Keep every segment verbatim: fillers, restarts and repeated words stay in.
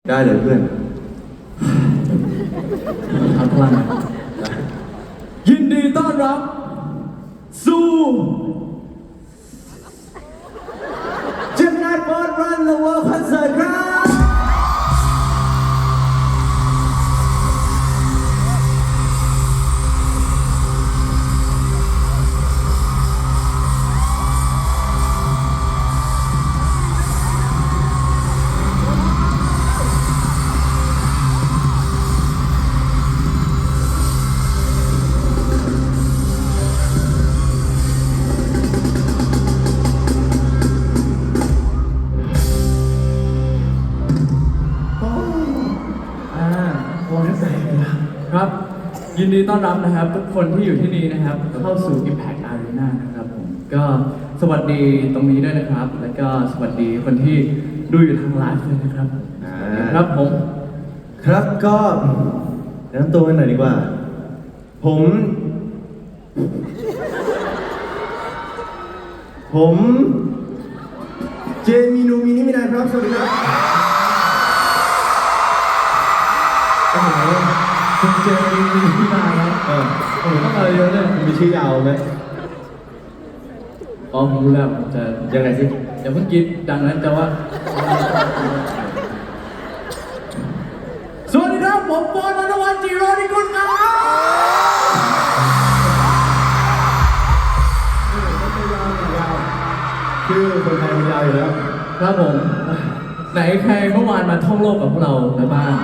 ได้เลยเพื่อนเอาพลังยินดีต้อนรับสู่เจมนาบอสรันเดอะเวิลด์คอนเสิร์ตครับครับยินดีต้อนรับนะครับทุกคนที่อยู่ที่นี่นะครับเข้าสู่ Impact Arena นะครับผมก็สวัสดีตรงนี้ด้วยนะครับแล้วก็สวัสดีคนที่ดูอยู่ทางไลฟ์เลยนะครับครับผมครับก็แนะนำตัวกันหน่อยดีกว่าผมผมเจมินูมินิมินายครับสวัสดีครับโอ้โหคุณเจมีมีที่มาแล้วเออโอ้โหต้องอะไรเยอะเลยมีชื่อยาวไหมอ๋อผมรู้แล้วผมจะยังไงสิอย่าเพิ่งคิดดังนั้นแต่ว่าสวัสดีครับผมบอลวรรณวัฒน์จิโรนิกุลครับชื่อคนไทยมันยาวอยู่แล้วครับผมไหนใครเมื่อวานมาท่องโลกกับพวกเราในบ้าน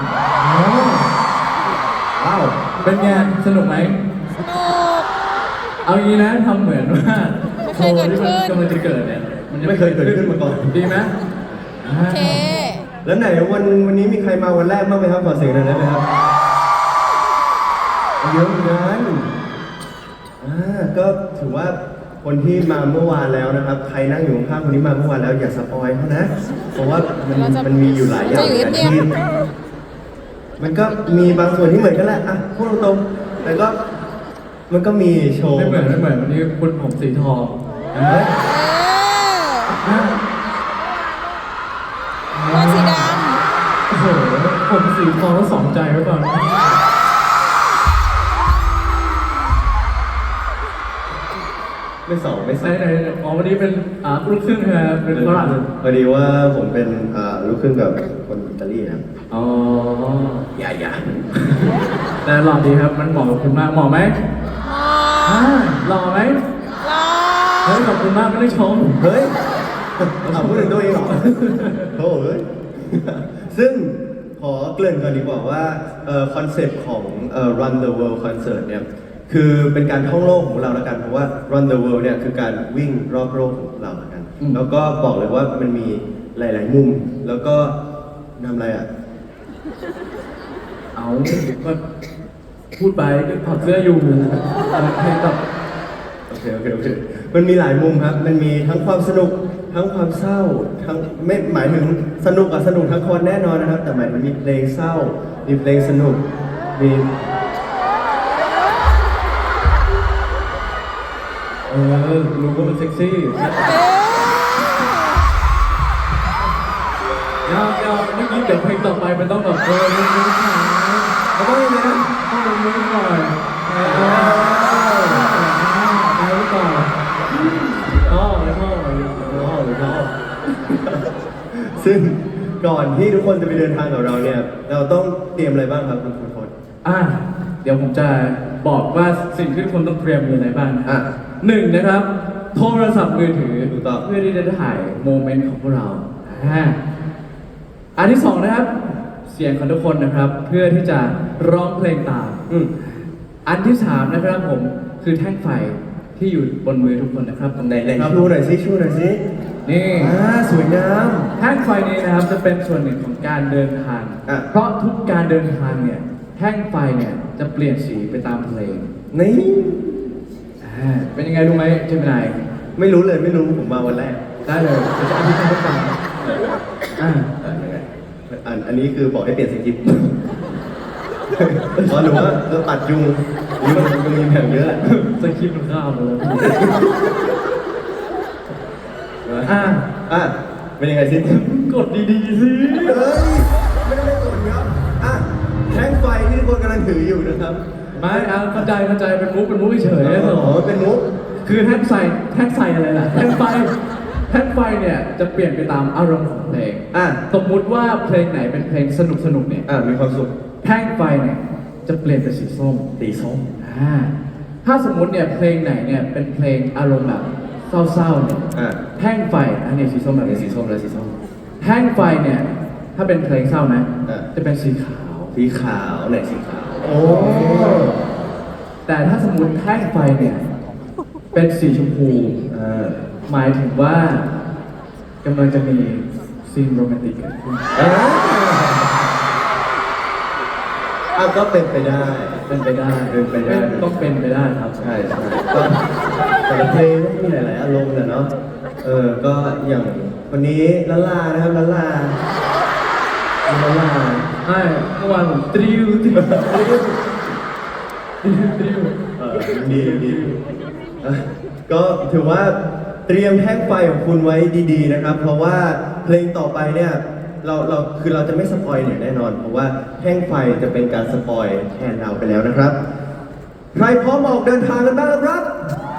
ว้าวเป็นไงสนุกไหมสนุกเอางี้นะทำเหมือนว่าโชว์ที่มันกำลังจะเกิดเนี่ยมันไม่เคยเกิดขึ้นมาก่อนดีไหมโอเคแล้วไหนวันวันนี้มีใครมาวันแรกบ้างไหมครับขอเสียงหน่อยได้ไหมครับเยอะเหมือนกันอ่าก็ถือว่าคนที่มาเมื่อวานแล้วนะครับใครนั่งอยู่ข้างคนนี้มาเมื่อวานแล้วอย่าสปอยเขานะเพราะว่ามันมันมีอยู่หลายอย่างที่มันก็มีบางส่วนที่เหมือนกันแหละอ่ะพูดตรงๆแต่ก็มันก็มีโชว์ไม่เหมือนไม่เหมือนวันนี้คุณผมสีทองตัวสีดำโอ้โหผมสีทองแล้วสองใจไว้ก่อนไม่สองไม่สองไหนไหนอ๋อวันนี้เป็นอ่าลูกครึ่งใช่ไหมเป็นฝรั่งพอดีว่าผมเป็นอ่าลูกครึ่งกับคนอิตาลีครับอ๋ออย่าอย่าแต่หล่อดีครับมันเหมาะกับคุณมากเหมาะไหมหล่อไหมหล่อเฮ้ยขอบคุณมากไม่ได้ชมเฮ้ยถามพูดถึงตัวเองเหรอโอ้ยซึ่งขอเกริ่นก่อนดีกว่าว่าคอนเซปต์ของเอ่อ Run the World Concert เนี่ยคือเป็นการท่องโลกของเราแล้วกันเพราะว่า Run the World เนี่ยคือการวิ่งรอบโลกของเราแล้วกันแล้วก็บอกเลยว่ามันมีหลายๆมุมแล้วก็ทำอะไรอ่ะเอาก็พูดไปถอดเสื้ออยู่เพลงแบบโอเคโอเคโอเคมันมีหลายมุมครับมันมีทั้งความสนุกทั้งความเศร้าทั้งไม่หมายถึงสนุกอะสนุกทั้งคนแน่นอนนะครับแต่หมายถึงมีเพลงเศร้ามีเพลงสนุกมีเออรู้ว่ามันเซ็กซี่ยาวยาวเมื่อกี้เดี๋ยวเพลงต่อไปมันต้องแบบเออมันมันขามันต้องยังไงนะต้องลงมือก่อนเออเออไปก่อนอ๋อแล้วก็อ๋อแล้วก็ซึ่งก่อนที่ทุกคนจะไปเดินทางกับเราเนี่ยเราต้องเตรียมอะไรบ้างครับคุณคุณพจน์อ่ะเดี๋ยวผมจะบอกว่าสิ่งที่ทุกคนต้องเตรียมมีอะไรบ้างอ่ะหนึ่งนะครับโทรศัพท์มือถือเพื่อที่จะถ่ายโมเมนต์ของพวกเราอันที่สองนะครับเสียงของทุกคนนะครับเพื่อที่จะร้องเพลงตามอันที่สามนะครับผมคือแท่งไฟที่อยู่บนมือทุกคนนะครับตรงไหนไหนชูหน่อยสิชูหน่อยสินี่อ่าสวยงามแท่งไฟนี้นะครับจะเป็นส่วนหนึ่งของการเดินทางเพราะทุกการเดินทางเนี่ยแท่งไฟเนี่ยจะเปลี่ยนสีไปตามเพลงนี่เป็นยังไงรู้ไหมเจมินายไม่รู้เลยไม่รู้ผมมาวันแรกได้เลยจะอธิบายให้ฟังอ่าอันอันนี้คือบอกให้เปลี่ยนสคริปต์เพราะหนูว่าเราปัดยุงยุงมันมีแผงเยอะสคริปต์มันข้าวหมดเลยอ่าอ่ะเป็นยังไงสิกดดีๆสิเฮ้ยไม่ได้ถืออยู่นะครับไม่เอาเข้าใจเข้าใจเป็นมุกเป็นมุกเฉยๆอ๋อเป็นมุกคือแท่นไฟแท่นไฟอะไรล่ะแท่นไฟแท่นไฟเนี่ยจะเปลี่ยนไปตามอารมณ์ของเพลงอ่ะสมมุติว่าเพลงไหนเป็นเพลงสนุกสนุกๆเนี่ยอ่ะมีความสุขแท่งไฟเนี่ยจะเปลี่ยนเป็นสีส้มตีส้มอ่าถ้าสมมุติเนี่ยเพลงไหนเนี่ยเป็นเพลงอารมณ์แบบเศร้าๆเนี่ยอ่ะแท่งไฟอันนี้สีส้มแบบเป็นนี้สีส้มแล้วสีส้มแท่งไฟเนี่ยถ้าเป็นเพลงเศร้านะอ่ะจะเป็นสีขาวสีขาวไหนสีขาว โอ้แต่ถ้าสมมติแท่งไฟเนี่ยเป็นสีชมพูอ่าหมายถึงว่ากำลังจะมีซีนโรแมนติกเกิดขึ้นอ่าอ่ะก็เป็นไปได้เป็นไปได้เป็นไปได้ต้องเป็นไปได้ครับใช่ใช่ก็แต่ละเพลงก็มีหลาย ๆ อารมณ์แหละเนาะ เออ ก็อย่างวันนี้ละลานะครับละลาละลาใช่เมื่อวานผมตริวตริวตริวตริวตริวเออดีดีอ่ะก็ถือว่าเตรียมแท่งไฟของคุณไว้ดี ๆ นะครับ เพราะว่าเพลงต่อไปเนี่ยเราเราคือเราจะไม่สปอยเนี่ยแน่นอน เพราะว่าแท่งไฟจะเป็นการสปอยแทนเราไปแล้วนะครับ ใครพร้อมออกเดินทางกันบ้างครับ